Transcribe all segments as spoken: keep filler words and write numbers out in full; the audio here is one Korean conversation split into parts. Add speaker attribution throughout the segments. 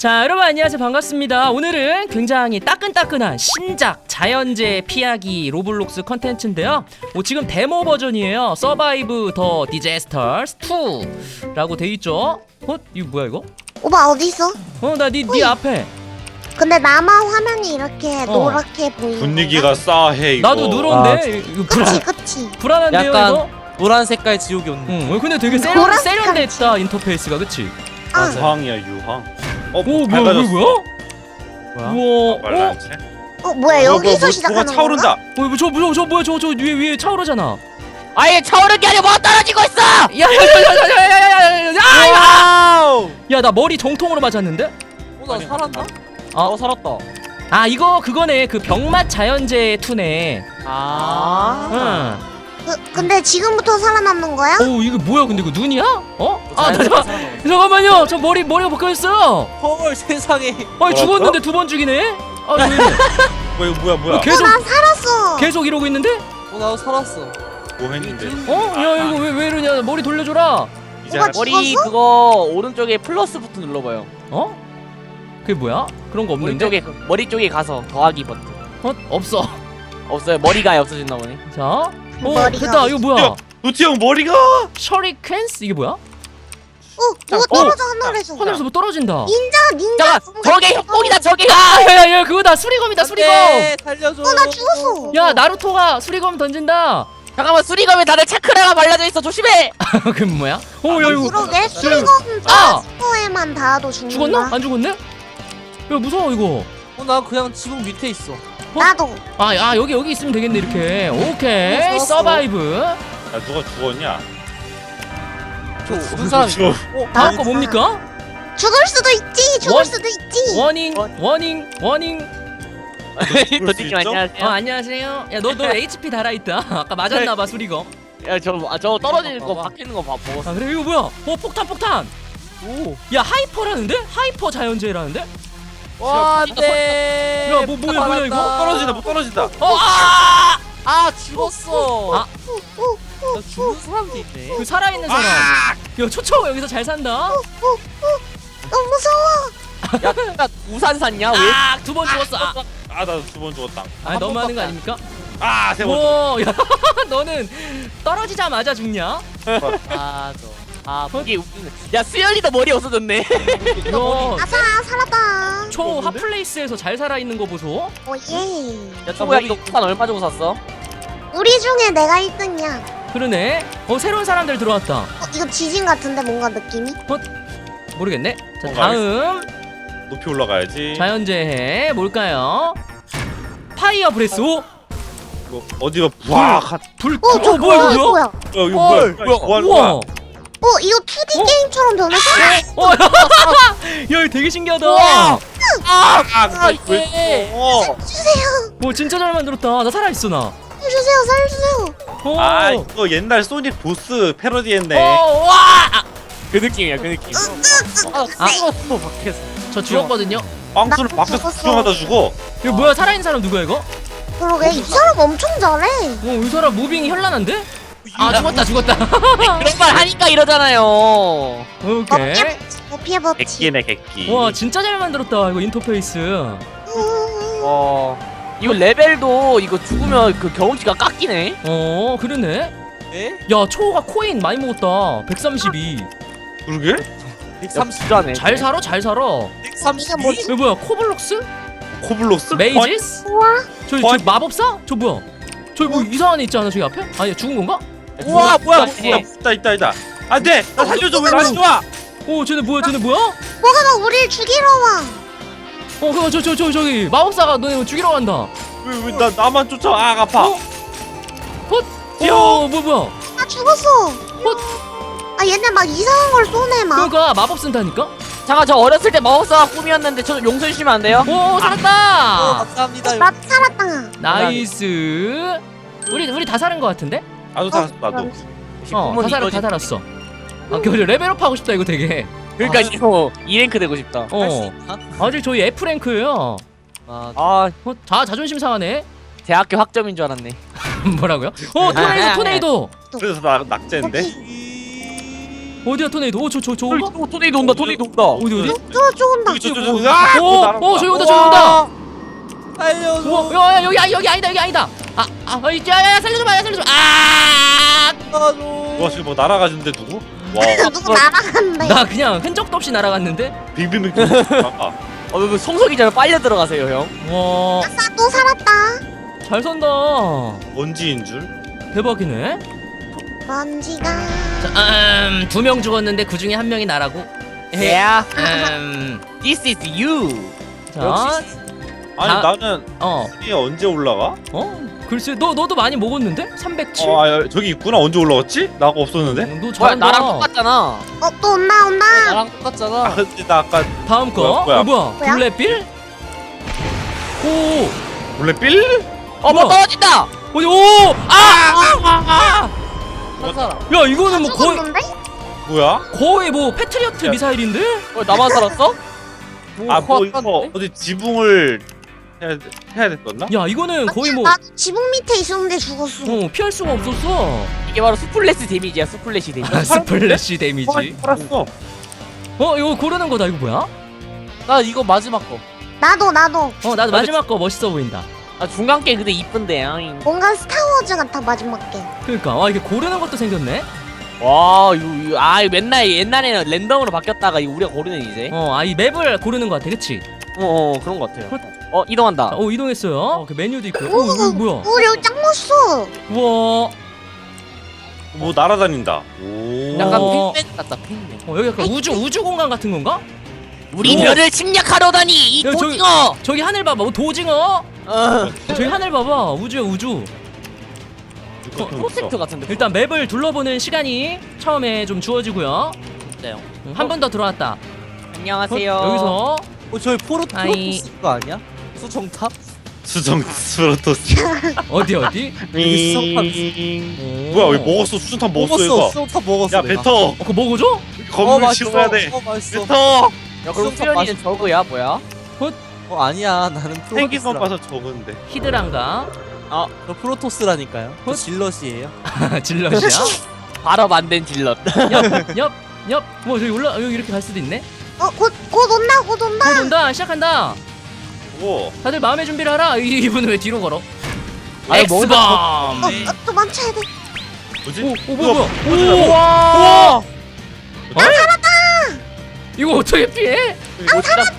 Speaker 1: 자, 여러분 안녕하세요. 반갑습니다. 오늘은 굉장히 따끈따끈한 신작 자연재해 피하기 로블록스 컨텐츠인데요. 어, 지금 데모 버전이에요. 서바이브 더 디제스터스 투라고 돼있죠. 어? 이거 뭐야 이거?
Speaker 2: 오빠 어딨어?
Speaker 1: 어, 나 니 니 앞에.
Speaker 2: 근데 나만 화면이 이렇게
Speaker 1: 어.
Speaker 2: 노랗게 보이는
Speaker 3: 분위기가 싸해 이거.
Speaker 1: 나도 누런데?
Speaker 4: 아,
Speaker 1: 이거
Speaker 2: 그치
Speaker 1: 불안,
Speaker 2: 그치
Speaker 1: 불안한데요
Speaker 4: 약간
Speaker 1: 이거?
Speaker 4: 노란 색깔 지옥이 온네.
Speaker 1: 응, 어, 근데 되게 세련,
Speaker 2: 노란
Speaker 1: 세련됐다 인터페이스가, 그치?
Speaker 2: 아
Speaker 3: 유황이야 유황. 어,
Speaker 1: 오, 뭐야,
Speaker 3: 밝아졌어.
Speaker 1: 뭐야,
Speaker 4: 뭐야?
Speaker 1: 우와, 어?
Speaker 3: 말란체?
Speaker 2: 어 뭐야
Speaker 3: 뭐,
Speaker 2: 여기서
Speaker 3: 뭐,
Speaker 2: 시작하는
Speaker 3: 뭐가 차오른다.
Speaker 2: 건가?
Speaker 1: 어, 저, 저, 저 뭐야, 저, 저 위에, 위에 차오르잖아.
Speaker 4: 아예 차오른 게 아니라 뭐 떨어지고 있어!
Speaker 1: 야, 야, 야, 야, 야, 야, 야, 야, 야, 야,
Speaker 4: 와우!
Speaker 1: 야, 나 머리 정통으로 맞았는데?
Speaker 4: 어, 나 살았나?
Speaker 1: 어?
Speaker 4: 어, 살았다.
Speaker 1: 아, 이거 그거네. 그 병맛 자연재해 투네.
Speaker 4: 아.
Speaker 1: 응.
Speaker 2: 그, 근데 지금부터 살아남는 거야?
Speaker 1: 오, 이거 뭐야? 근데 이거 눈이야? 어? 아, 나,
Speaker 4: 자연스럽게
Speaker 1: 자,
Speaker 4: 살아남았어.
Speaker 1: 잠깐만요. 저 머리 머리가 벗겨졌어.
Speaker 4: 헐, 세상에.
Speaker 1: 아니,
Speaker 3: 뭐라고요?
Speaker 1: 죽었는데 두 번 죽이네. 아, 왜 이래?
Speaker 3: 뭐 이거 뭐야 뭐야?
Speaker 1: 어, 계속
Speaker 2: 난 살았어.
Speaker 1: 계속 이러고 있는데?
Speaker 4: 어, 나도 살았어.
Speaker 3: 뭐 했는데?
Speaker 1: 어? 야, 이거 왜 왜 이러냐? 머리 돌려줘라.
Speaker 3: 이제
Speaker 2: 뭐가
Speaker 3: 할-
Speaker 4: 머리
Speaker 2: 죽었어?
Speaker 4: 그거 오른쪽에 플러스 버튼 눌러봐요.
Speaker 1: 어? 그게 뭐야? 그런 거 없는데?
Speaker 4: 오른쪽에 그- 머리 쪽에 가서 더하기 버튼.
Speaker 1: 어? 없어.
Speaker 4: 없어요. 머리가 없어진다 보네.
Speaker 1: 자, 어,
Speaker 2: 머리가
Speaker 1: 됐다. 이거 뭐야?
Speaker 3: 노티 형 머리가.
Speaker 1: 셔리켄스 이게 뭐야?
Speaker 2: 어 뭐가
Speaker 1: 어.
Speaker 2: 떨어져 하늘에서.
Speaker 1: 하늘에서 뭐 떨어진다.
Speaker 2: 닌자 닌자.
Speaker 4: 잠깐, 저게 협곡이다. 저게.
Speaker 1: 아, 야, 야, 야, 그거다. 수리검이다. 수리검.
Speaker 4: 네, 살려줘.
Speaker 2: 어나 죽었어.
Speaker 1: 야, 나루토가 수리검 던진다.
Speaker 4: 잠깐만, 수리검에 다들 차크라가 발라져 있어. 조심해.
Speaker 1: 그 뭐야? 어, 야, 이거
Speaker 2: 그러게 수리검
Speaker 1: 아!
Speaker 2: 스포에만 닿아도 죽는다.
Speaker 1: 죽었나? 안 죽었네? 야, 무서워 이거.
Speaker 4: 어, 나 그냥 지붕 밑에 있어.
Speaker 2: 나도.
Speaker 1: 아, 아 여기 여기 있으면 되겠네 이렇게. 오케이.
Speaker 4: 어, 살았어.
Speaker 1: 서바이브.
Speaker 3: 야 누가 죽었냐?
Speaker 4: 저 죽은 사람이.
Speaker 3: 죽어.
Speaker 4: 어,
Speaker 1: 다음 거 뭡니까?
Speaker 2: 죽을 수도 있지. 죽을
Speaker 1: 원-
Speaker 2: 수도 있지.
Speaker 1: 워닝,
Speaker 4: 원-
Speaker 1: 워닝, 워닝.
Speaker 3: 죽을 수
Speaker 4: 도티님
Speaker 3: 있죠?
Speaker 1: 어,
Speaker 4: 안녕하세요.
Speaker 1: 안녕하세요. 야, 너 너 에이치피 달아 있다. 아까 맞았나 봐 수리검.
Speaker 4: 야, 저, 아, 저 떨어지는 거 박히는 거 봐, 먹었어.
Speaker 1: 아, 그래 이거 뭐야? 어, 폭탄 폭탄.
Speaker 4: 오.
Speaker 1: 야, 하이퍼라는데? 하이퍼 자연재해라는데?
Speaker 4: 와, 안 돼.
Speaker 1: 야, 뭐, 뭐야, 뭐야, 이거?
Speaker 3: 떨어진다 못 떨어진다.
Speaker 1: 어, 아!
Speaker 4: 아, 죽었어.
Speaker 1: 아.
Speaker 4: 나 죽은 사람도 있네.
Speaker 1: 그 살아 있는 사람. 야, 초초 여기서 잘 산다.
Speaker 2: 너무 무서워.
Speaker 4: 야, 나 우산 샀냐? 왜?
Speaker 1: 아, 두 번 죽었어. 아,
Speaker 3: 아나 두 번 죽었다.
Speaker 1: 아
Speaker 4: 한
Speaker 1: 너무 하는 거
Speaker 4: 번밖에 안
Speaker 1: 아닙니까?
Speaker 3: 아세 번.
Speaker 1: 오, 야, 너는 떨어지자마자 죽냐?
Speaker 4: 아, 저. 아, 이게 웃기네. 야, 수연이도 머리 없어졌네.
Speaker 1: 이거
Speaker 2: 아싸 살았다.
Speaker 1: 초 핫플레이스에서 잘 살아 있는 거 보소.
Speaker 2: 오예.
Speaker 4: 야, 초보야, 이거 우산 얼마 주고 샀어?
Speaker 2: 우리 중에 내가 일 등이야.
Speaker 1: 그러네. 어, 새로운 사람들 들어왔다.
Speaker 2: 어, 이거 지진 같은데 뭔가 느낌이?
Speaker 1: 모르겠네. 자,
Speaker 3: 어,
Speaker 1: 다음
Speaker 3: 높이 올라가야지.
Speaker 1: 자연재해 뭘까요? 파이어 브레스. 오,
Speaker 3: 이거 어디가 부악 한.
Speaker 1: 불.
Speaker 2: 어, 저
Speaker 1: 어, 뭐야
Speaker 2: 뭐야?
Speaker 1: 이거?
Speaker 2: 뭐야?
Speaker 3: 어 이거
Speaker 4: 헐,
Speaker 3: 뭐야?
Speaker 4: 뭐야?
Speaker 3: 뭐 하는
Speaker 1: 우와.
Speaker 3: 거야?
Speaker 2: 어, 이거 투디
Speaker 1: 어?
Speaker 2: 게임처럼 변했어?
Speaker 1: 어, 야, 이거 되게 신기하다.
Speaker 4: 우와. 아,
Speaker 3: 아
Speaker 4: 아,
Speaker 3: 왜?
Speaker 4: 이게.
Speaker 3: 어.
Speaker 2: 주세요.
Speaker 1: 오, 진짜 잘 만들었다. 나 살아 있어 나.
Speaker 2: 살려주세요. 살려주세요.
Speaker 1: 오.
Speaker 3: 아 이거 옛날 소닉 보스 패러디했네.
Speaker 1: 어, 와.
Speaker 4: 그 느낌이야, 그 느낌. 아,
Speaker 1: 아.
Speaker 4: 죽었어, 밖에서.
Speaker 1: 저 죽었거든요.
Speaker 3: 빵수를
Speaker 2: 나
Speaker 3: 밖에서
Speaker 2: 죽었어.
Speaker 3: 구경하다 죽어.
Speaker 1: 이거 뭐야? 살아 있는 사람 누구야 이거?
Speaker 2: 그러게 이 사람 엄청 잘해.
Speaker 1: 어, 이 사람 무빙이 현란한데? 아, 죽었다, 죽었다.
Speaker 4: 그런 말 하니까 이러잖아요.
Speaker 1: 오케이.
Speaker 2: 어, 피해 법칙.
Speaker 3: 객기네 객기.
Speaker 1: 와, 진짜 잘 만들었다 이거 인터페이스.
Speaker 4: 어. 이거 레벨도 이거 죽으면 그 경험치가 깎이네.
Speaker 1: 어, 그러네.
Speaker 4: 네?
Speaker 1: 야, 초호가 코인 많이 먹었다. 백삼십이.
Speaker 3: 그러게?
Speaker 4: 백삼십이라네.
Speaker 1: 잘 살아, 잘 살아.
Speaker 2: 이게 뭐지?
Speaker 1: 이거 뭐야? 코블록스?
Speaker 3: 코블록스?
Speaker 1: 메이지스?
Speaker 2: 우와.
Speaker 1: 저기
Speaker 3: 어?
Speaker 1: 저 마법사? 저 뭐야? 저기 뭐 이상한 애 있지 않아 저기 앞에? 아니 죽은 건가?
Speaker 4: 우와, 뭐야,
Speaker 3: 어, 있다 있다 있다 있다. 안돼. 나 살려줘. 왜 나한테 와?
Speaker 1: 오, 쟤네 뭐야? 쟤네 뭐야?
Speaker 2: 뭐가 막 우리를 죽이러 와.
Speaker 1: 어, 그거 저 저 저 저기 마법사가 너네 죽이러 간다.
Speaker 3: 왜 왜 나 나만 쫓아? 아 아파.
Speaker 1: 어? 헛? 어, 뭐 뭐야?
Speaker 2: 나 죽었어. 아 얘네 막 이상한 걸 쏘네 막.
Speaker 1: 그러니까 마법 쓴다니까?
Speaker 4: 잠깐, 저 어렸을 때 마법사가 꿈이었는데 저 용서 주시면 안 돼요?
Speaker 1: 오, 살았다.
Speaker 4: 감사합니다.
Speaker 2: 나 살았다.
Speaker 1: 나이스. 우리 우리 다 살은 거 같은데?
Speaker 3: 나도 살았어 나도.
Speaker 1: 어, 다 살았 다 살았어. 아, 그 레벨업 하고 싶다 이거 되게.
Speaker 4: 그러니까 이거 이 랭크 되고 싶다.
Speaker 1: 어. 아직 저희 F 랭크예요.
Speaker 4: 아, 아,
Speaker 1: 어, 자 자존심 상하네.
Speaker 4: 대학교 학점인 줄 알았네.
Speaker 1: 뭐라고요? 어, 토네이도 토네이도.
Speaker 3: 그래서 나 낙제인데.
Speaker 1: 어디야 토네이도? 오 저 저
Speaker 4: 저기
Speaker 1: 저거?
Speaker 4: 또 토네이도 온다. 토네이도 온다.
Speaker 1: 어디 어디?
Speaker 2: 저저 온다.
Speaker 3: 저기 저저 아!
Speaker 1: 오, 오 저기 온다 저기 온다.
Speaker 5: 살려줘.
Speaker 1: 우와, 야, 야, 여기, 아, 여기 아니다, 여기 아니다. 아, 아, 어, 야, 야, 야, 살려줘봐, 야, 살려줘봐. 아,
Speaker 5: 살려줘.
Speaker 3: 와 지금 뭐 날아가는데 누구? 와
Speaker 2: 누구 날아간대.
Speaker 1: 나 그냥 흔적도 없이 날아갔는데.
Speaker 3: 빙빙빙 아,
Speaker 4: 어, 뭐 성석이잖아. 빨려 들어가세요, 형.
Speaker 1: 와,
Speaker 2: 아싸 또 살았다.
Speaker 1: 잘 산다.
Speaker 3: 먼지인 줄?
Speaker 1: 대박이네.
Speaker 2: 먼지가.
Speaker 1: 자, 음, 두 명 죽었는데 그 중에 한 명이 나라고.
Speaker 4: Yeah.
Speaker 1: 음,
Speaker 4: This is you.
Speaker 1: 자,
Speaker 5: 역시
Speaker 3: 아니
Speaker 1: 아.
Speaker 3: 나는
Speaker 1: 어,
Speaker 3: 이게 언제 올라가?
Speaker 1: 어, 글쎄, 너 너도 많이 먹었는데? 삼백칠.
Speaker 3: 어, 아, 저기 있구나. 언제 올라갔지? 나가 없었는데?
Speaker 1: 너
Speaker 4: 뭐야,
Speaker 1: 잘한다.
Speaker 4: 나랑 똑같잖아.
Speaker 2: 어 또 온다 온다.
Speaker 4: 나랑
Speaker 3: 아
Speaker 4: 똑같잖아.
Speaker 3: 근데 나 아까
Speaker 1: 다음 거.
Speaker 3: 뭐야, 뭐야?
Speaker 1: 어, 뭐야?
Speaker 2: 뭐야?
Speaker 1: 블랙빌? 오,
Speaker 3: 원래 빌?
Speaker 4: 어, 뭐
Speaker 1: 뭐야?
Speaker 4: 떨어진다.
Speaker 1: 어디? 오, 아, 아,
Speaker 4: 한 사람.
Speaker 1: 아. 야, 이거는 뭐 거의
Speaker 2: 죽었는데?
Speaker 3: 뭐야?
Speaker 1: 거의 뭐 패트리어트
Speaker 3: 야.
Speaker 1: 미사일인데?
Speaker 4: 어, 나만 살았어?
Speaker 3: 아 뭐
Speaker 4: 코앞
Speaker 3: 이거
Speaker 4: 깠는데?
Speaker 3: 어디 지붕을 해야, 해야 됐었나?
Speaker 1: 야, 이거는 거의 뭐
Speaker 2: 나 지붕 밑에 있었는데 죽었어.
Speaker 1: 어, 피할 수가 없었어.
Speaker 4: 이게 바로 스플래시 데미지야. 스플래시 데미지.
Speaker 1: 아, 스플래시 데미지.
Speaker 3: 살았어.
Speaker 1: 어, 이거 고르는 거다. 이거 뭐야?
Speaker 4: 나 이거 마지막 거.
Speaker 2: 나도 나도.
Speaker 1: 어, 나도 마지막 거 멋있어 보인다.
Speaker 4: 아, 중간 게 근데 이쁜데. 아잉.
Speaker 2: 뭔가 스타워즈 같아 마지막 게.
Speaker 1: 그러니까 와, 이게 고르는 것도 생겼네.
Speaker 4: 와, 이거, 이거 아, 이거 맨날 옛날에는 랜덤으로 바뀌었다가 이거 우리가 고르네 이제.
Speaker 1: 어, 아, 이 맵을 고르는 거 같아. 그치?
Speaker 4: 어, 어, 그런 것 같아요. 어, 이동한다.
Speaker 1: 어, 이동했어요. 어, 그 메뉴도 있고. 어, 이거 뭐야?
Speaker 2: 오 여기 짱 멋있어.
Speaker 1: 우와.
Speaker 3: 뭐 날아다닌다. 오.
Speaker 4: 약간
Speaker 1: 어.
Speaker 4: 핑맨 같다, 핑맨.
Speaker 1: 어, 여기 약간 우주 우주 공간 같은 건가?
Speaker 4: 우리
Speaker 1: 오.
Speaker 4: 별을 침략하려다니 이
Speaker 1: 야, 저기-
Speaker 4: 도징어.
Speaker 1: 저기 하늘 봐봐. 어, 도징어.
Speaker 4: 어,
Speaker 1: 저기 하늘 봐봐. 우주야, 우주.
Speaker 3: 이거 좀
Speaker 4: 프로젝트
Speaker 3: 있어.
Speaker 4: 같은데.
Speaker 1: 일단 맵을 둘러보는 시간이 처음에 좀 주어지고요.
Speaker 4: 진짜요.
Speaker 1: 한 번 더 들어왔다.
Speaker 4: 안녕하세요.
Speaker 1: 여기서
Speaker 5: 어 저기 포로
Speaker 1: 아이.
Speaker 5: 프로토스 거 아니야? 수정탑?
Speaker 3: 수정 스로토스.
Speaker 1: 어디 어디?
Speaker 5: 여기 수정탑
Speaker 3: 음. 뭐야 여기 먹었어. 수정탑 먹었어
Speaker 5: 먹었어.
Speaker 3: 얘가.
Speaker 5: 수정탑 먹었어.
Speaker 3: 야
Speaker 5: 내가.
Speaker 3: 뱉어.
Speaker 1: 어, 그거 먹어줘?
Speaker 5: 어
Speaker 3: 건물
Speaker 5: 맛있어.
Speaker 3: 치워야 돼.
Speaker 5: 어 맛있어.
Speaker 3: 뱉어.
Speaker 4: 야, 그럼
Speaker 5: 수정탑
Speaker 4: 수연이는
Speaker 5: 맛있어.
Speaker 4: 저거야, 뭐야?
Speaker 5: 어 아니야 나는
Speaker 3: 생긴 것
Speaker 5: 프로토스라.
Speaker 3: 봐서 적은데.
Speaker 1: 히드란가?
Speaker 4: 어,
Speaker 5: 저 프로토스라니까요. 저
Speaker 1: 헛.
Speaker 5: 질럿이에요.
Speaker 1: 질럿이야?
Speaker 4: 바로 만든 질럿.
Speaker 1: 옆, 옆, 옆. 뭐 저기 올라 여기 이렇게 갈 수도 있네.
Speaker 2: 어곧 곧 온다 곧 온다.
Speaker 1: 곧 온다. 시작한다.
Speaker 3: 오.
Speaker 1: 다들 마음의 준비를 하라. 이- 이분은 왜 뒤로 걸어?
Speaker 5: 아니,
Speaker 1: 엑스밤.
Speaker 5: 뭔가
Speaker 2: 어또 멈춰야 돼.
Speaker 3: 뭐지?
Speaker 1: 오, 오
Speaker 3: 이거
Speaker 1: 뭐야 뭐야?
Speaker 3: 뭐지?
Speaker 1: 오,
Speaker 4: 와!
Speaker 1: 나 살았다. 이거 어떻게 피해?
Speaker 4: 아, 살았다!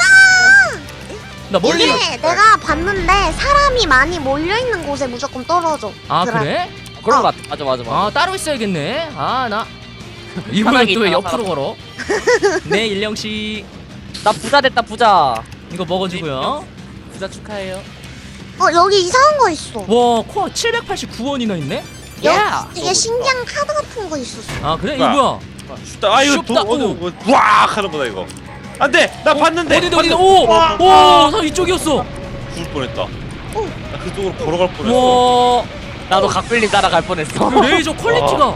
Speaker 1: 나 멀리.
Speaker 2: 이게 내가 봤는데 사람이 많이 몰려 있는 곳에 무조건 떨어져.
Speaker 1: 아
Speaker 2: 그래.
Speaker 1: 그래?
Speaker 4: 그런
Speaker 2: 어.
Speaker 4: 거 같아. 맞아, 맞아, 맞아.
Speaker 1: 아 따로 있어야겠네. 아 나. 이분은
Speaker 4: 편하게
Speaker 1: 또 왜
Speaker 4: 있다가
Speaker 1: 옆으로 걸어? 네 일령 씨.
Speaker 4: 나 부자 됐다, 부자.
Speaker 1: 이거 먹어주고요.
Speaker 4: 부자 축하해요.
Speaker 2: 어 여기 이상한 거 있어.
Speaker 1: 와 코어 칠백팔십구 원이나 있네?
Speaker 2: 여기
Speaker 4: 야!
Speaker 2: 되게 신기한 카드 같은 거 있었어.
Speaker 1: 아 그래? 이거
Speaker 3: 뭐야?
Speaker 1: 뭐야?
Speaker 3: 슈다. 아 이거 도
Speaker 1: 슈다.
Speaker 3: 어디
Speaker 1: 오.
Speaker 3: 뭐, 와 하는 거다 이거. 안돼. 나 봤는데.
Speaker 1: 어디다 어디다?
Speaker 3: 봤는데.
Speaker 1: 오!
Speaker 3: 와.
Speaker 1: 오! 나 이쪽이었어!
Speaker 3: 죽을 뻔했다.
Speaker 2: 오.
Speaker 3: 나 그쪽으로 걸어갈 뻔했어.
Speaker 1: 와
Speaker 4: 나도 각별님 따라갈 뻔했어.
Speaker 1: 그 레이저 퀄리티가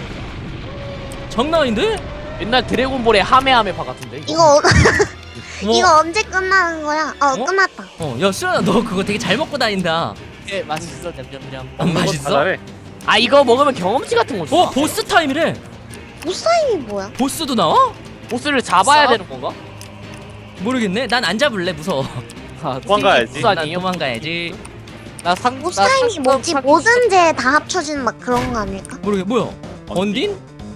Speaker 1: 장난 아닌데?
Speaker 4: 옛날 드래곤볼의 하메하메파 같은데. 이거?
Speaker 2: 이거 어-
Speaker 1: 와.
Speaker 2: 이거 언제 끝나는 거야? 어,
Speaker 1: 어?
Speaker 2: 끝났다.
Speaker 1: 어, 야 수연아 너 그거 되게 잘 먹고 다닌다.
Speaker 4: 예, 맛있어, 냠냠냠.
Speaker 1: 안
Speaker 3: 다
Speaker 1: 맛있어?
Speaker 3: 잘해.
Speaker 4: 아, 이거 먹으면 경험치 같은 거 줘.
Speaker 1: 어 보스 타임이래.
Speaker 2: 보사임이 뭐야?
Speaker 1: 보스도 나와?
Speaker 4: 보스를 잡아야
Speaker 1: 싸?
Speaker 4: 되는 건가?
Speaker 1: 모르겠네. 난 안 잡을래 무서워.
Speaker 4: 아,
Speaker 3: 도망가야지.
Speaker 4: 보스
Speaker 1: 난
Speaker 4: 아니에요?
Speaker 1: 도망가야지.
Speaker 4: 나 상, 나
Speaker 2: 보사임이
Speaker 4: 상-
Speaker 2: 뭐지?
Speaker 4: 상-
Speaker 2: 모든 죄 다 합쳐진 막 그런 거 아닐까?
Speaker 1: 모르겠. 뭐야? 건딘?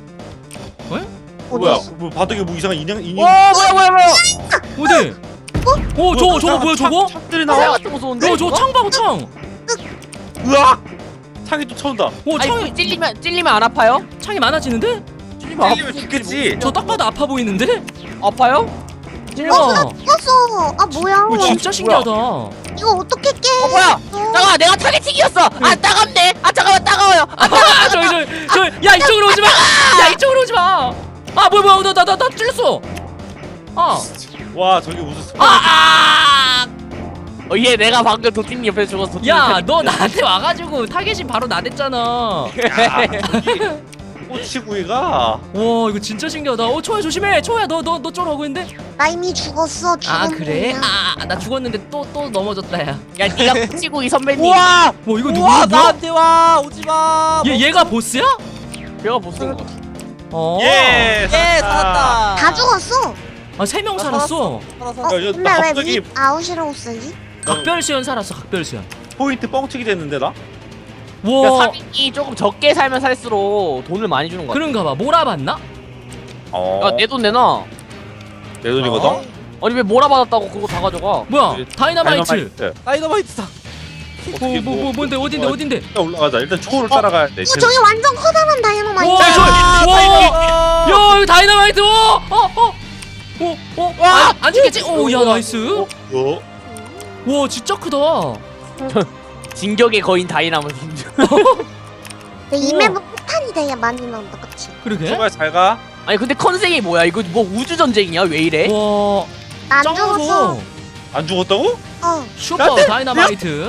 Speaker 3: 뭐야?
Speaker 2: 어디?
Speaker 3: 뭐 바닥에 뭐 이상한 인형 인형.
Speaker 4: 와, 뭐야, 뭐야, 뭐야.
Speaker 1: 어디? 어 저거 저거 뭐야 저거?
Speaker 3: 창들이
Speaker 4: 나
Speaker 3: 나와.
Speaker 4: 같은 무서운데?
Speaker 1: 야 저거 창 봐봐 창.
Speaker 3: 으악! 창이 또 쳐온다.
Speaker 1: 오
Speaker 4: 아니,
Speaker 1: 창이
Speaker 4: 찔리면, 찔리면 안 아파요?
Speaker 1: 창이 많아지는데?
Speaker 4: 찔리면
Speaker 3: 찔리면 죽겠지.
Speaker 1: 저 딱 봐도 아파 보이는데?
Speaker 4: 아파요?
Speaker 1: 와.
Speaker 2: 죽었어. 아 뭐야?
Speaker 1: 오 진짜 신기하다.
Speaker 2: 이거 어떻게 깨?
Speaker 4: 어, 뭐야? 잠깐만, 내가 타겟팅이었어. 아, 따갑네. 아, 잠깐만, 따가워요. 아,
Speaker 1: 아 저기 저기 저기 야 이쪽으로 오지 마. 야 이쪽으로 오지 마. 아 뭐야 뭐야 나 나 나 나 찔렸어. 아.
Speaker 3: 와 저기 무슨 스파.
Speaker 1: 아!
Speaker 4: 어, 얘 내가 방금 도티님 옆에 죽어서 도티님
Speaker 1: 야,
Speaker 4: 옆에
Speaker 1: 너 나한테 와가지고 타겟이 바로 나댔잖아. 와,
Speaker 3: 야 저기 꼬치구이가.
Speaker 1: 이거 진짜 신기하다. 어, 초야 조심해. 초야, 너, 너, 너 쫄아오고 있는데?
Speaker 2: 나 이미 죽었어. 죽은
Speaker 1: 아, 그래?
Speaker 2: 놈이야.
Speaker 1: 아, 나 죽었는데 또, 또 넘어졌다, 야.
Speaker 4: 야, 니가 코치고 이 선배님.
Speaker 5: 우와!
Speaker 1: 뭐, 이거 누구야?
Speaker 5: 우와
Speaker 1: 뭐야?
Speaker 5: 나한테 와 오지 마.
Speaker 1: 얘, 얘가 보스야?
Speaker 4: 배가 보스인 거.
Speaker 1: 어.
Speaker 3: 예
Speaker 5: 예 살았다.
Speaker 2: 다 죽었어.
Speaker 1: 아, 세 명
Speaker 5: 나
Speaker 1: 살았어.
Speaker 5: 살았어.
Speaker 2: 어,
Speaker 3: 야, 이거
Speaker 2: 근데
Speaker 3: 나
Speaker 2: 왜
Speaker 3: 갑자기-
Speaker 2: 위 아웃이라고 쓰지?
Speaker 1: 각별수연 살았어. 각별수연.
Speaker 3: 포인트 뻥치기 됐는데 나?
Speaker 4: 그러니까
Speaker 1: 와.
Speaker 4: 삼인이 조금 적게 살면 살수록 돈을 많이 주는 거야.
Speaker 1: 그런가 봐. 몰아봤나?
Speaker 3: 어.
Speaker 4: 야, 내 돈 내놔.
Speaker 3: 내 돈이거든?
Speaker 5: 어?
Speaker 4: 아니 왜 몰아받았다고 그거 다 가져가?
Speaker 1: 뭐야?
Speaker 3: 그
Speaker 1: 다이너마이트.
Speaker 3: 다이너마이트.
Speaker 5: 다이너마이트다.
Speaker 1: 뭐, 뭐, 뭐, 뭔데? 어딘데? 어딘데?
Speaker 3: 일단 올라가자. 일단 초를 따라가야 돼.
Speaker 2: 어, 저기 완전 커다란 다이너마이트.
Speaker 1: 와, 저, 와,
Speaker 5: 아,
Speaker 1: 야, 이거 다이너마이트. 어, 어, 어, 어, 어.
Speaker 4: 와!
Speaker 1: 안, 안 죽겠지? 오, 야, 나이스.
Speaker 3: 어?
Speaker 1: 와, 진짜 크다.
Speaker 4: 진격의 거인 다이나마이트.
Speaker 2: 근데 이
Speaker 1: 우와.
Speaker 2: 맵은 폭탄이 되게 많이 나온다, 그치?
Speaker 1: 그러게.
Speaker 3: 정말 잘 가.
Speaker 4: 아니 근데 컨셉이 뭐야? 이거 뭐 우주 전쟁이야? 왜 이래?
Speaker 1: 와,
Speaker 2: 나 안 죽었어.
Speaker 1: 짱어서
Speaker 3: 안 죽었다고?
Speaker 2: 어.
Speaker 1: 슈퍼 다이너마이트.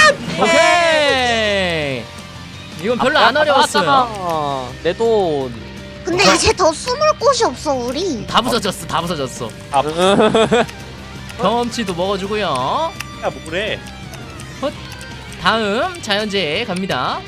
Speaker 1: 오케이. 이건 별로 안 어려웠어요.
Speaker 4: 내 돈.
Speaker 2: 근데 이제 더 숨을 곳이 없어, 우리.
Speaker 1: 다 부서졌어. 다 부서졌어. 경험치도 먹어주고요.
Speaker 3: 야 뭐래?
Speaker 1: 다음 자연재해 갑니다.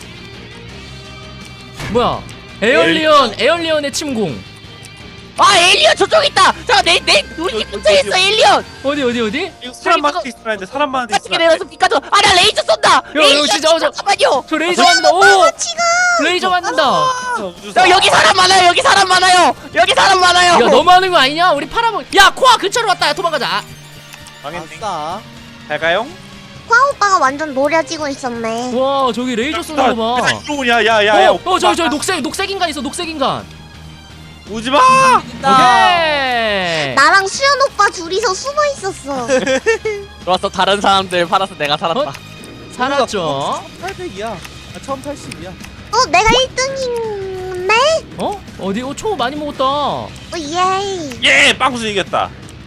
Speaker 1: 뭐야? 에얼리언, 에얼리언의 침공.
Speaker 4: 아 에일리언 저쪽 있다. 자내내 우리 집 근처에 있어 에일리언.
Speaker 1: 어디 어디 어디?
Speaker 3: 이거 사람 많은데 있으면 안 돼. 사람 많은데
Speaker 4: 같이
Speaker 3: 있으면 안
Speaker 4: 내려서 피카소. 아나 레이저 쏜다. 에일리언
Speaker 1: 진짜, 저-
Speaker 4: 잠깐만요.
Speaker 1: 저 레이저 맞는다. 오, 레이저 맞는다.
Speaker 3: 돼.
Speaker 4: 야, 여기 사람 많아요. 여기 사람 많아요. 여기 사람 많아요.
Speaker 1: 야, 너무하는 거 아니냐? 우리 팔아먹. 야, 코아 근처로 왔다. 야, 도망가자.
Speaker 3: 망했네.
Speaker 5: 아싸.
Speaker 3: 잘 가요?
Speaker 2: 과 오빠가 완전 노려지고 있었네.
Speaker 1: 와, 저기 레이저 쏘는 거 봐.
Speaker 3: 이러냐? 야야야.
Speaker 1: 어, 어, 저기 저기 녹색 녹색 인간 있어. 녹색 인간.
Speaker 3: 오지 마.
Speaker 1: 오케이.
Speaker 2: 나랑 수연 오빠 둘이서 숨어 있었어.
Speaker 4: 좋았어. 다른 사람들 팔아서 내가 살았다.
Speaker 1: 어? 살았죠.
Speaker 5: 천팔백이야. 아, 천팔십이야.
Speaker 2: 어, 내가 일 등인데?
Speaker 1: 어? 어디? 어, 초 많이 먹었다.
Speaker 2: 어, 예이.
Speaker 3: 예, 빵수 이겼다.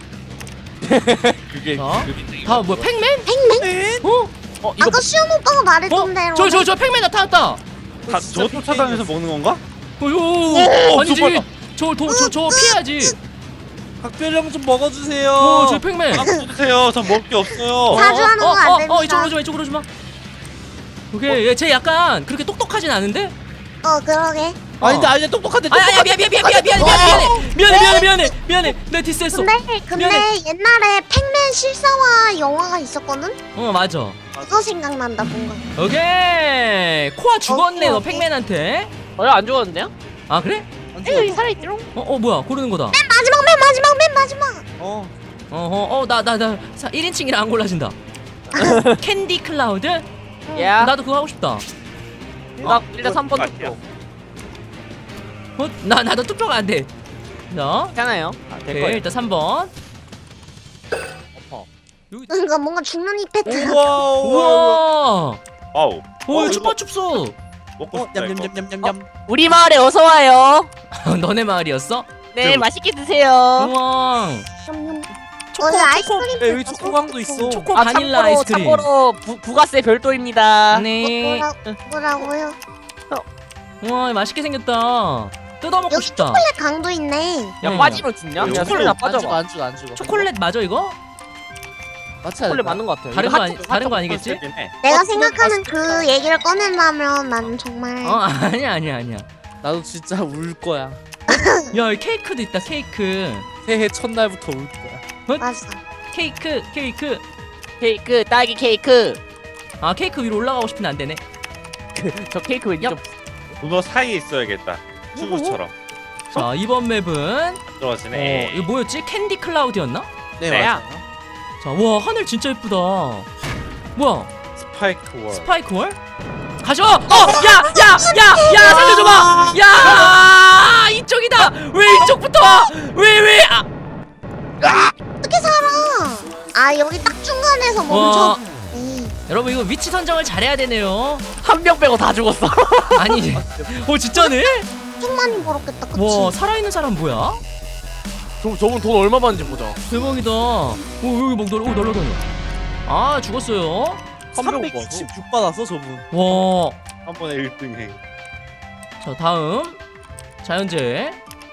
Speaker 4: 그게
Speaker 1: 자, 다음 뭐야? 팩맨?
Speaker 2: 팩맨?
Speaker 1: 어?
Speaker 4: 어 이거
Speaker 2: 아까 수연 오빠가 말했던 대로.
Speaker 1: 저 저 저 팩맨 나타났다.
Speaker 3: 다 저거 쫓아다니면서 먹는 건가?
Speaker 1: 어요. 아니지.
Speaker 3: 저거다.
Speaker 1: 저저 저 피해야지.
Speaker 5: 각별형 좀 먹어주세요.
Speaker 1: 어, 저 팩맨.
Speaker 3: 빵수 드세요. 전 먹을 게 없어요.
Speaker 2: 사주하는
Speaker 1: 어,
Speaker 2: 거 안
Speaker 1: 어,
Speaker 2: 됩니다.
Speaker 1: 어, 이쪽으로 좀 이쪽으로 좀 와. 오케이. 얘 쟤 약간 그렇게 똑똑하진 않은데?
Speaker 2: 어, 그러게.
Speaker 5: 아니 근데 아니 똑똑한데.
Speaker 1: 아니 아니 미안 미안 미안 미안 미안 미안 미안해 미안해 미안해 미안해 내 디스했어.
Speaker 2: 근데, 근데
Speaker 1: 미안해.
Speaker 2: 옛날에 팩맨 실사화 영화가 있었거든?
Speaker 1: 어 맞아.
Speaker 2: 그거 생각난다, 뭔가.
Speaker 1: 오케이. 코아 죽었네
Speaker 2: 오케이,
Speaker 1: 너
Speaker 2: 오케이.
Speaker 1: 팩맨한테.
Speaker 4: 어안 죽었는데요?
Speaker 1: 아 그래?
Speaker 4: 에이 살아있지롱.
Speaker 1: 어 어 뭐야 고르는 거다.
Speaker 2: 맨 마지막, 맨 마지막, 맨 마지막.
Speaker 5: 어.
Speaker 1: 어허 어나 나 나 일 인칭이라 안 골라진다. 캔디 클라우드?
Speaker 4: 야.
Speaker 1: 나도 그거 하고 싶다.
Speaker 4: 나 일단 삼 번
Speaker 3: 아니야.
Speaker 4: 투표.
Speaker 1: 어? 나 나도 투표가 안 돼. 자,
Speaker 4: 괜찮아요. 아, 될
Speaker 1: 오케이
Speaker 4: 거예요.
Speaker 1: 일단 삼 번.
Speaker 2: 뭔가, 뭔가 죽는 이펙트.
Speaker 5: 우와.
Speaker 1: 우와.
Speaker 3: 와우.
Speaker 1: 오
Speaker 3: 어,
Speaker 1: 춥파춥소.
Speaker 3: 먹고
Speaker 5: 어,
Speaker 3: 싶다. 이거.
Speaker 5: 냠냠냠냠냠.
Speaker 4: 우리 마을에 어서 와요.
Speaker 1: 너네 마을이었어?
Speaker 4: 네
Speaker 3: 저-
Speaker 4: 맛있게 드세요.
Speaker 1: 우와.
Speaker 2: 냠냠.
Speaker 1: 초코
Speaker 2: 어,
Speaker 1: 초코
Speaker 2: 아이스크림.
Speaker 5: 야, 여기 초코광도 있어.
Speaker 1: 초코
Speaker 4: 아
Speaker 1: 바닐라
Speaker 4: 참고로
Speaker 1: 아이스크림.
Speaker 4: 참고로 부, 부가세 별도입니다.
Speaker 1: 네.
Speaker 2: 뭐라, 뭐라고요?
Speaker 1: 우와 맛있게 생겼다. 뜯어먹고
Speaker 2: 여기
Speaker 1: 싶다.
Speaker 2: 초콜릿 강도 있네.
Speaker 4: 야
Speaker 1: 응.
Speaker 4: 빠지면 죽냐?
Speaker 3: 야,
Speaker 4: 야
Speaker 3: 초콜릿
Speaker 4: 소리나
Speaker 5: 안
Speaker 4: 빠져.
Speaker 5: 죽어 안 죽어 안 죽어.
Speaker 1: 초콜릿 맞아 이거?
Speaker 5: 맞춰야
Speaker 4: 초콜릿
Speaker 5: 돼.
Speaker 4: 맞는 것 같아요.
Speaker 1: 다른
Speaker 4: 이거
Speaker 1: 거 아니
Speaker 4: 핫-
Speaker 1: 다른 거
Speaker 4: 핫-
Speaker 1: 아니겠지?
Speaker 3: 그렇긴 해.
Speaker 2: 내가
Speaker 5: 어,
Speaker 2: 생각하는 그
Speaker 5: 맛있겠다.
Speaker 2: 얘기를 꺼낸다면 난 정말.
Speaker 1: 어 아니야 아니야 아니야.
Speaker 5: 나도 진짜 울 거야.
Speaker 1: 야 이 케이크도 있다 케이크.
Speaker 5: 새해 첫날부터 울 거야.
Speaker 2: 맞아.
Speaker 1: 케이크 케이크.
Speaker 4: 케이크 딸기 케이크.
Speaker 1: 아 케이크 위로 올라가고 싶은데 안 되네.
Speaker 4: 저 케이크 왠지
Speaker 1: 야.
Speaker 4: 좀
Speaker 3: 문어 사이에 있어야겠다. 튜브처럼.
Speaker 1: 자 이번 맵은
Speaker 3: 들어가지네.
Speaker 1: 어 이거 뭐였지? 캔디 클라우드였나?
Speaker 5: 네
Speaker 4: 나야.
Speaker 5: 맞아.
Speaker 1: 자 와 하늘 진짜 예쁘다. 뭐야?
Speaker 3: 스파이크 월.
Speaker 1: 스파이크 월? 가져! 어! 야! 야! 야! 야! 살려줘봐! 야! 이쪽이다! 왜 이쪽부터 와! 왜 왜! 아!
Speaker 2: 어떻게 살아? 아, 여기 딱 중간에서
Speaker 1: 와
Speaker 2: 멈춰. 에이,
Speaker 1: 여러분 이거 위치 선정을 잘해야 되네요.
Speaker 4: 한 명 빼고 다 죽었어.
Speaker 1: 아니 어 진짜네?
Speaker 2: 좀 많이 벌었겠다, 그치?
Speaker 1: 와 살아있는 사람 뭐야?
Speaker 4: 저 저분 돈 얼마 받는지 보자.
Speaker 1: 대박이다. 오 여기 막 널, 오 날라다녀. 아 죽었어요.
Speaker 5: 삼백육십육 받았어 저분.
Speaker 1: 와.
Speaker 3: 한 번에 일 등 해.
Speaker 1: 자 다음 자연재해.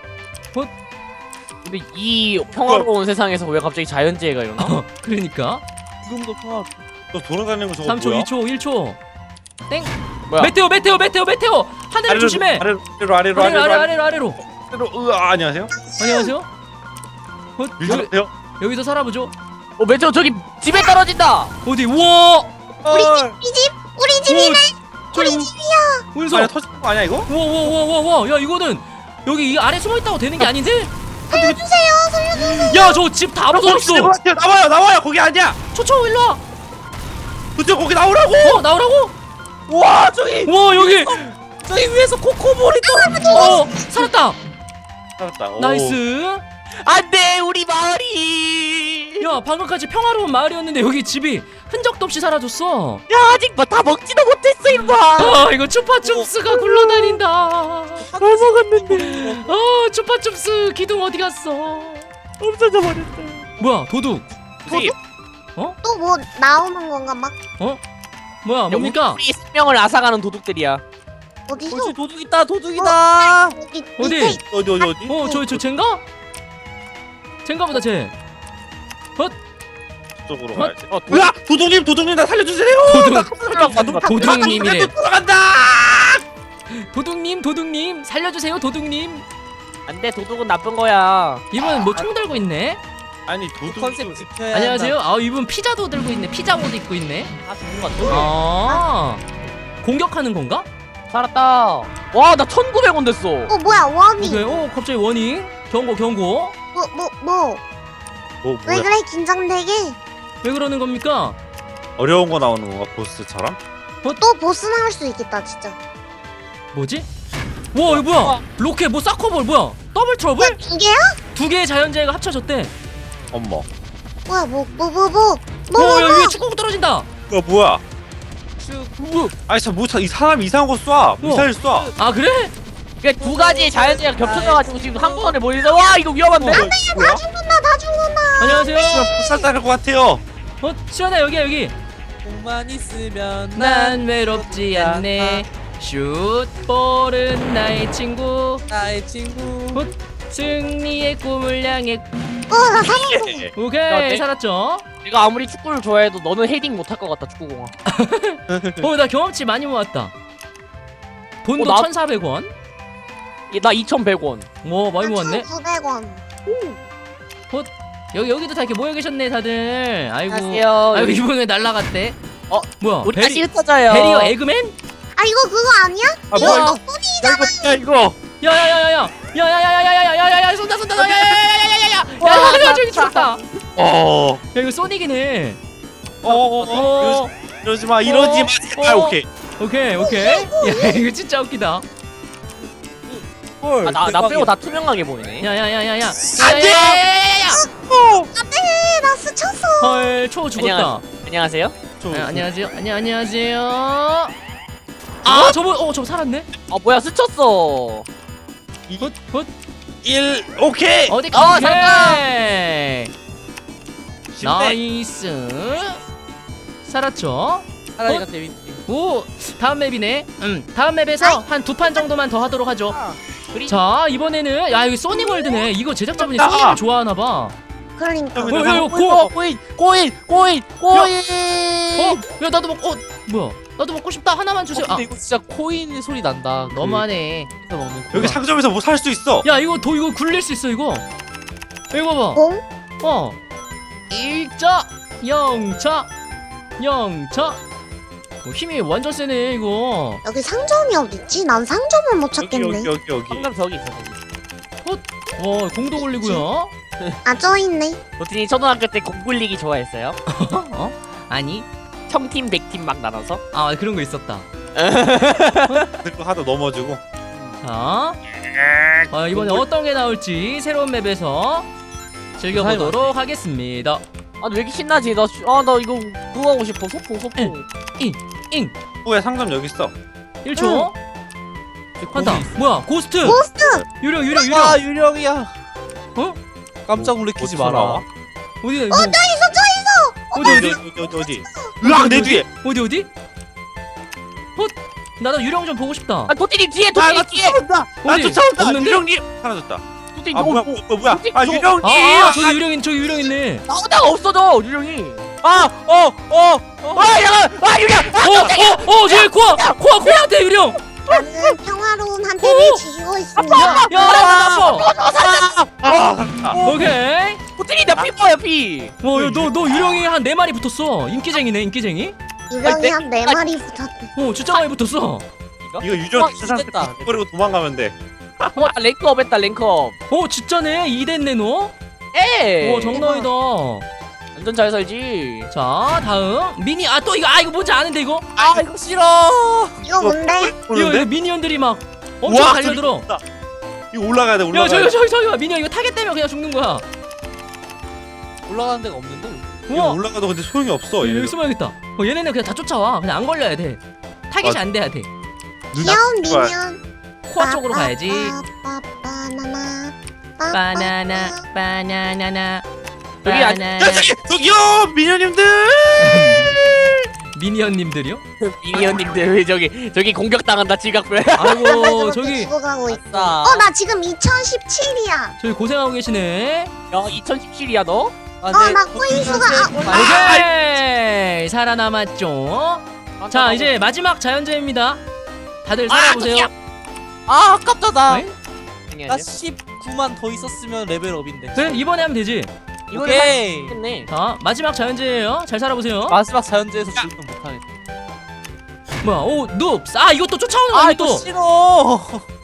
Speaker 4: 근데 이 평화로운 세상에서 왜 갑자기 자연재해가 일어나?
Speaker 1: 그러니까
Speaker 5: 지금도 평화.
Speaker 3: 너 돌아다니는 거 저거
Speaker 1: 삼 초
Speaker 3: 뭐야?
Speaker 1: 이 초 일 초 땡.
Speaker 4: 뭐야?
Speaker 1: 메테오 메테오 메테오 메테오 하늘
Speaker 3: 아래로
Speaker 1: 조심해.
Speaker 3: 아래로 아래로 아래로
Speaker 1: 아래로
Speaker 3: 아래로
Speaker 1: 아래로 아래로.
Speaker 3: 아래로 으아 안녕하세요.
Speaker 1: 안녕하세요. 어, 여기,
Speaker 3: 밀주세요.
Speaker 1: 여기서 살아보죠.
Speaker 4: 어 매저 저기 집에 떨어진다.
Speaker 1: 어디? 우와.
Speaker 2: 우리 집, 우리 집, 우리 집이네.
Speaker 1: 우리 집이야. 어디서?
Speaker 3: 아니 터진 거 아니야 이거?
Speaker 1: 우와 우와 우와 우와 우와. 야 이거는 여기 이 아래 숨어 있다고 되는 게 아닌데?
Speaker 2: 살려주세요, 살려주세요.
Speaker 1: 야 저 집 다 부쉈어.
Speaker 3: 나와요 나와요 거기 아니야.
Speaker 1: 초초 일로 와.
Speaker 3: 그쪽 거기 나오라고.
Speaker 1: 어 나오라고?
Speaker 5: 와 저기
Speaker 1: 와 여기.
Speaker 5: 저기 위에서 코코볼이 떨어져.
Speaker 1: 어 살았다.
Speaker 3: 살았다. 오.
Speaker 1: 나이스.
Speaker 4: 안돼 우리 마을이.
Speaker 1: 야 방금까지 평화로운 마을이었는데 여기 집이 흔적도 없이 사라졌어.
Speaker 4: 야 아직 뭐 다 먹지도 못했어 이놈아.
Speaker 1: 아 이거 추파춥스가 굴러다닌다.
Speaker 4: 잘 먹었는데.
Speaker 1: 어 추파춥스 기둥 어디 갔어?
Speaker 4: 없어져 버렸어.
Speaker 1: 뭐야 도둑?
Speaker 3: 선생님.
Speaker 2: 또 뭐 나오는 건가 막
Speaker 1: 뭐야 뭡니까?
Speaker 4: 우리 생명을 앗아가는 도둑들이야.
Speaker 2: 어디서?
Speaker 5: 그렇지 도둑 있다 도둑 있다.
Speaker 2: 어디?
Speaker 1: 어디?
Speaker 2: 밑에
Speaker 3: 어디 어디 어디?
Speaker 1: 어 저 저 쟨가? 쟨가보다 쟤.
Speaker 3: 저쪽으로
Speaker 1: 어?
Speaker 3: 가야지.
Speaker 4: 어 도...
Speaker 3: 으아 도둑님 도둑님 나 살려주세요.
Speaker 1: 도둑 도둑님이래.
Speaker 3: 돌아간다.
Speaker 1: 도둑님 도둑님 살려주세요 도둑님.
Speaker 4: 안돼 도둑은 나쁜 거야.
Speaker 1: 이분 뭐 총 들고 있네.
Speaker 3: 아니 도둑
Speaker 5: 컨셉 지켜야
Speaker 1: 안녕하세요. 아 이분 피자도 들고 있네. 피자 옷 입고 있네.
Speaker 4: 아 죽는 거 같아.
Speaker 1: 아 공격하는 건가?
Speaker 4: 살았다. 와 나 천구백 원 됐어.
Speaker 2: 어 뭐야 원이?
Speaker 1: 오케이. 어 갑자기 워닝. 경고 경고.
Speaker 2: 뭐 뭐 뭐?
Speaker 3: 뭐
Speaker 2: 왜
Speaker 3: 뭐야?
Speaker 2: 그래 긴장되게?
Speaker 1: 왜 그러는 겁니까?
Speaker 3: 어려운 거 나오는 건가 보스처럼?
Speaker 2: 또 보스 나올 수 있겠다 진짜.
Speaker 1: 뭐지? 와 이거 뭐야? 로켓 뭐 사커볼 뭐야? 더블 트러블?
Speaker 2: 두 개야?
Speaker 1: 두 개의 자연재해가 합쳐졌대.
Speaker 3: 어머.
Speaker 2: 뭐야 뭐 뭐 뭐 뭐? 뭐
Speaker 1: 어,
Speaker 2: 뭐
Speaker 1: 야,
Speaker 2: 뭐?
Speaker 1: 위에 축구공 떨어진다.
Speaker 3: 이거 뭐야?
Speaker 1: 뭐?
Speaker 3: 아니 참뭐이 사람이 이상한 거 쏴. 미사일 쏴.
Speaker 1: 아 그래?
Speaker 4: 그러니까 두 가지의 자연재해가 겹쳐져가지고 지금 한 번에 몰리다. 와 이거 위험한데?
Speaker 3: 어, 뭐야?
Speaker 2: 다 죽는다 다 죽는다.
Speaker 1: 안녕하세요.
Speaker 3: 불살 따를 것 같아요.
Speaker 1: 어 시원해 여기야 여기.
Speaker 5: 공만 있으면
Speaker 1: 난 외롭지 않네. 슛볼은 나의 친구.
Speaker 5: 나의 친구.
Speaker 1: 어? 승리의 꿈을 향해.
Speaker 2: 어나 살았어.
Speaker 3: 예.
Speaker 1: 오케이
Speaker 4: 네.
Speaker 1: 살았죠.
Speaker 4: 내가 아무리 축구를 좋아해도 너는 헤딩 못할 것 같다 축구공아.
Speaker 1: 어나 경험치 많이 모았다. 돈도
Speaker 4: 어, 나-
Speaker 1: 천사백 원.
Speaker 4: 얘, 나 이천백 원.
Speaker 1: 오 많이 모았네.
Speaker 2: 천구백 원.
Speaker 1: 여기 여기도 다 이렇게 모여 계셨네 다들. 아이고.
Speaker 4: 안녕하세요.
Speaker 1: 아이고 이분 왜 날라갔대?
Speaker 4: 어,
Speaker 1: 뭐야?
Speaker 4: 우리
Speaker 1: 베리,
Speaker 4: 다시 흩어져요.
Speaker 1: 베리어 에그맨?
Speaker 2: 아 이거 그거 아니야?
Speaker 3: 아
Speaker 2: 이거
Speaker 3: 뭐야?
Speaker 2: 덕분이잖아.
Speaker 3: 야 이거.
Speaker 1: 야야야야야 야야야야야야야야야 쏜다 쏜다 야야야야야야야 야 저기 죽었다.
Speaker 3: 어.
Speaker 1: 야 이거 소닉이네.
Speaker 3: 어어어. 이러지 마 이러지 마.
Speaker 1: 어.
Speaker 3: 아 오케이.
Speaker 1: 오케이 오케이. 야 이거 진짜 웃기다.
Speaker 5: 헐.
Speaker 4: 아, 나, 나
Speaker 5: 대박이야.
Speaker 4: 빼고 다 투명하게 보이네.
Speaker 1: 야야야야야.
Speaker 3: 안돼!
Speaker 1: 야야야야야야.
Speaker 2: 안돼 나 스쳤어.
Speaker 1: 헐초 죽었다.
Speaker 4: 안녕하세요.
Speaker 3: 저,
Speaker 1: 아, 안녕하세요. 안녕 안녕하세요. 아 저분 어저 살았네.
Speaker 4: 아 뭐야 스쳤어.
Speaker 1: 헛 헛.
Speaker 3: 일 오케이.
Speaker 1: 어디
Speaker 4: 어,
Speaker 1: 가게?
Speaker 3: 쉽네.
Speaker 1: 나이스. 살았죠?
Speaker 5: 사라지가 재밌지.
Speaker 1: 오 다음 맵이네. 음 다음 맵에서 한 두 판 정도만 더 하도록 하죠.
Speaker 4: 우리
Speaker 1: 자 이번에는 야 여기 소닉월드네. 이거 제작자분이
Speaker 3: 아.
Speaker 1: 소닉을 좋아하나봐.
Speaker 2: 그러니까.
Speaker 3: 어,
Speaker 1: 어, 야, 이거
Speaker 4: 고
Speaker 1: 고.
Speaker 4: 코인 코인 코인 코인.
Speaker 1: 어? 야 나도 먹. 어 뭐야? 나도 먹고 싶다. 하나만 주세요.
Speaker 5: 어,
Speaker 1: 아
Speaker 5: 근데 이거 진짜 코인 소리 난다. 그
Speaker 1: 너무하네.
Speaker 5: 여기서 먹는
Speaker 3: 여기 상점에서 뭐 살 수 있어.
Speaker 1: 야 이거 도 이거 굴릴 수 있어 이거. 이거 봐봐.
Speaker 2: 공?
Speaker 1: 어. 일자 영차 영차. 어, 힘이 완전 세네 이거.
Speaker 2: 여기 상점이 어딨지? 난 상점을 못
Speaker 3: 여기
Speaker 2: 찾겠네.
Speaker 3: 여기 여기 여기.
Speaker 4: 상점 저기 있어 저기.
Speaker 1: 와 공도 굴리고요.
Speaker 2: 아 저 있네.
Speaker 4: 도티니 초등학교 때 공 굴리기 좋아했어요?
Speaker 1: 어? 아니.
Speaker 4: 청팀 백팀 막 나눠서.
Speaker 1: 아 그런 거 있었다.
Speaker 3: 그리고 하다 넘어지고.
Speaker 1: 자. 아, 이번에 어떤 게 나올지 새로운 맵에서 즐겨보도록 하겠습니다.
Speaker 4: 아 왜 이렇게 신나지? 나 아 나 이거 그거 하고 싶어. 소풍 소풍.
Speaker 1: 잉
Speaker 3: 후에 상점 여기 있어.
Speaker 1: 일 초. 한다. 뭐야? 고스트.
Speaker 2: 고스트.
Speaker 1: 유령 유령 유령.
Speaker 5: 아 유령이야.
Speaker 1: 어?
Speaker 5: 깜짝 놀래키지
Speaker 3: 어디서
Speaker 5: 마라.
Speaker 3: 나와?
Speaker 1: 어디?
Speaker 2: 어
Speaker 1: 뭐,
Speaker 2: 저 있어 저 있어.
Speaker 1: 어디 어디?
Speaker 3: 어디 어디 어디. 으악 내 뒤에.
Speaker 1: 어디 어디? 어? 나도 유령 좀 보고 싶다.
Speaker 4: 아 도티니 뒤에
Speaker 3: 아,
Speaker 4: 도티니
Speaker 3: 나
Speaker 4: 뒤에.
Speaker 3: 쫓아온다. 나
Speaker 1: 어디?
Speaker 3: 쫓아온다.
Speaker 1: 없는데?
Speaker 3: 유령님 사라졌다.
Speaker 4: 도티니
Speaker 3: 아
Speaker 4: 어,
Speaker 3: 뭐야
Speaker 4: 어,
Speaker 3: 뭐, 뭐야? 아
Speaker 4: 저-
Speaker 3: 유령님.
Speaker 1: 아, 아 저기 유령 저기 유령 있네.
Speaker 4: 나오다가 없어져 유령이.
Speaker 5: 아어어 어.
Speaker 4: 아 야아 유령.
Speaker 1: 어, 어, 어, 저기 코아, 코아, 코아한테 유령.
Speaker 2: 나는 평화 슈가론한테를 지키고 있습니다.
Speaker 1: 야, 아파.
Speaker 3: 아,
Speaker 1: 오케이.
Speaker 4: 호텔이 나 피부야 피.
Speaker 1: 어, 너, 너 유령이 한 네 마리 붙었어. 인기쟁이네, 인기쟁이.
Speaker 2: 유령이 한 네 마리 붙었대.
Speaker 1: 어, 진짜 많이 붙었어.
Speaker 3: 이거 유저
Speaker 5: 어,
Speaker 3: 세상
Speaker 5: 됐다.
Speaker 3: 버리고 도망가면 돼.
Speaker 4: 어, 나 랭크업 했다 랭크업.
Speaker 1: 어, 진짜네. 이 됐네, 너.
Speaker 4: 에.
Speaker 1: 오, 정답이다.
Speaker 4: 완전 잘 살지.
Speaker 1: 자, 다음. 미니, 아, 또 이거, 아, 이거 뭔지 아는데, 이거?
Speaker 5: 아 이거 싫어.
Speaker 2: 이거 뭔데?
Speaker 1: 이거, 이거
Speaker 3: 보는데?
Speaker 1: 미니언들이 막 엄청
Speaker 3: 우와,
Speaker 1: 달려들어.
Speaker 3: 이거 올라가야 돼.
Speaker 1: 야,
Speaker 3: 올라가야
Speaker 1: 저기,
Speaker 3: 돼.
Speaker 1: 저기, 저기, 미니언 이거 타겟 때문에 그냥 죽는 거야.
Speaker 5: 올라가는 데가 없는데.
Speaker 3: 이거
Speaker 1: 우와.
Speaker 3: 올라가도 근데 소용이 없어.
Speaker 1: 여기
Speaker 3: 얘네들.
Speaker 1: 숨어야겠다. 어, 얘네는 그냥 다 쫓아와. 그냥 안 걸려야 돼. 타겟이
Speaker 3: 맞아.
Speaker 1: 안 돼야 돼.
Speaker 2: 귀여운
Speaker 3: 누나
Speaker 2: 미니언.
Speaker 1: 코아 쪽으로 가야지.
Speaker 2: 빠, 빠, 바나나. 빠,
Speaker 1: 바나나,
Speaker 2: 빠, 빠.
Speaker 1: 바나나나.
Speaker 4: 여기 아직-
Speaker 1: 바나나.
Speaker 3: 야, 저기, 저기요, 미녀님들.
Speaker 1: 미니언님들이요?
Speaker 4: 미니언님들 왜 저기 저기 공격당한다 지각별.
Speaker 1: 아이고,
Speaker 2: 저렇게
Speaker 1: 저기,
Speaker 2: 죽어가고 있어.
Speaker 5: 아싸.
Speaker 2: 어, 나 지금 이천십칠이야.
Speaker 1: 저기 고생하고 계시네.
Speaker 4: 야 이천십칠이야 너?
Speaker 5: 아,
Speaker 2: 어,
Speaker 5: 네,
Speaker 2: 나 꼬인수가
Speaker 1: 오케이. 살아남았죠. 자, 이제 마지막 자연재해입니다. 다들 살아보세요.
Speaker 5: 아 아깝다 나.
Speaker 1: 네?
Speaker 5: 나 십구만 더 있었으면 레벨업인데.
Speaker 1: 그래, 이번에 하면 되지.
Speaker 4: 이거는
Speaker 5: 오케이.
Speaker 4: 했네.
Speaker 1: 자, 마지막 자연재해예요. 잘 살아보세요.
Speaker 5: 마지막 자연재에서 죽으면 못하네.
Speaker 1: 뭐야, 오, 눕스. 아, 이거 또 쫓아오는
Speaker 5: 아
Speaker 1: 거야,
Speaker 5: 이거
Speaker 1: 또.
Speaker 5: 싫어.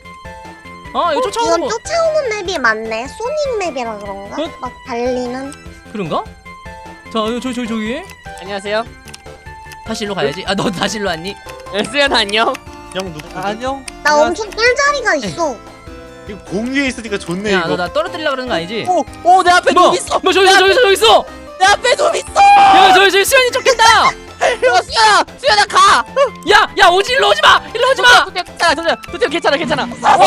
Speaker 1: 아, 이거 쫓아오는
Speaker 2: 이건
Speaker 1: 거.
Speaker 2: 쫓아오는 맵이 많네. 소닉 맵이라 그런가?
Speaker 1: 어?
Speaker 2: 막 달리는.
Speaker 1: 그런가? 자, 이거 저기, 저기, 저기.
Speaker 4: 안녕하세요.
Speaker 1: 다시 일로 가야지. 아, 너 다시 일로 왔니?
Speaker 4: 네, 수연 안녕.
Speaker 3: 형 누구?
Speaker 5: 아, 안녕.
Speaker 2: 나 엄청 꿀자리가 있어.
Speaker 3: 이거 공유에 있으니까 좋네
Speaker 1: 야,
Speaker 3: 이거.
Speaker 1: 너 나 떨어뜨리려고 그러는 거 아니지?
Speaker 5: 오오 내 앞에
Speaker 1: 뭐?
Speaker 5: 놈 있어.
Speaker 1: 뭐, 저기 있어, 저기 있어, 저기 있어!
Speaker 5: 내 앞에 놈 있어.
Speaker 1: 야, 저기, 저기 수현이 쫓긴다!
Speaker 4: 야 수연아 수연아 가.
Speaker 1: 야, 야, 오지, 일로 오지 마! 일로 오지 마!
Speaker 4: 도태형 괜찮아 도태형 도태형 괜찮아 괜찮아.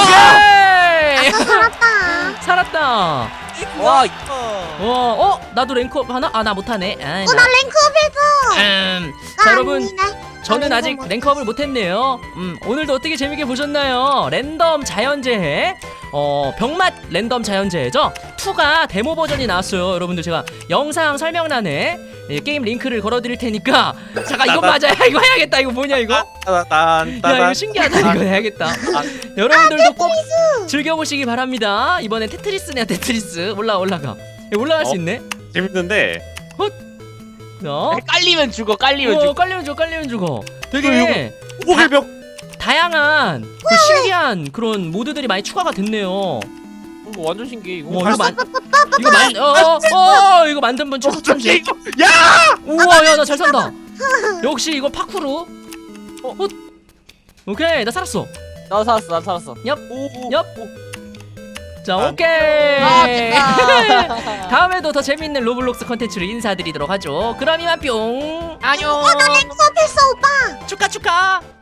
Speaker 1: 오케이!
Speaker 2: 아까 살았다.
Speaker 1: 살았다.
Speaker 5: 와.
Speaker 1: 어, 어, 나도 랭크업 하나? 아, 나 못하네. 아,
Speaker 2: 어, 나 랭크업했어.
Speaker 1: 음,
Speaker 2: 나
Speaker 1: 자, 여러분,
Speaker 2: 아니네.
Speaker 1: 저는
Speaker 2: 나
Speaker 1: 아직
Speaker 2: 랭크업
Speaker 1: 랭크업을 못했네요. 음, 오늘도 어떻게 재밌게 보셨나요? 랜덤 자연재해, 어, 병맛 랜덤 자연재해죠? 이가 데모 버전이 나왔어요. 여러분들 제가 영상 설명란에 예, 게임 링크를 걸어드릴 테니까 잠깐 이거 맞아. 야, 이거 해야겠다. 이거 뭐냐 이거?
Speaker 3: 따단
Speaker 1: 야,
Speaker 3: 따단.
Speaker 1: 이거 신기하다. 이거 해야겠다. 여러분들도 꼭 즐겨보시기 바랍니다. 이번엔 테트리스네요. 테트리스. 올라 올라가. 야, 올라갈 수
Speaker 3: 어?
Speaker 1: 있네.
Speaker 3: 재밌는데.
Speaker 1: 어?
Speaker 4: 깔리면 죽어 깔리면
Speaker 1: 어,
Speaker 4: 죽어.
Speaker 1: 깔리면 죽어, 깔리면 죽어. 되게
Speaker 3: 호흡의 벽.
Speaker 1: 다양한 그 신기한 그런 모드들이 많이 추가가 됐네요.
Speaker 4: 이거 완전 신기해 이거.
Speaker 1: 어, 이거 만 이거 만 어, 어, 어, 이거 만든 분
Speaker 3: 저기
Speaker 1: 추천지.
Speaker 3: 이거. 야!
Speaker 1: 우와, 야, 나 잘 산다. 역시 이거 파쿠르. 어, 어. 오케이, 나 살았어.
Speaker 4: 나 살았어 나 살았어.
Speaker 1: 얍,
Speaker 5: 오.
Speaker 1: 얍. 자,
Speaker 3: 아,
Speaker 1: 오케이.
Speaker 5: 아, 됐다.
Speaker 1: 다음에도 더 재밌는 로블록스 컨텐츠로 인사드리도록 하죠. 그럼 이만 뿅.
Speaker 4: 안녕.
Speaker 2: 랭크업했어, 오빠.
Speaker 1: 축하 축하.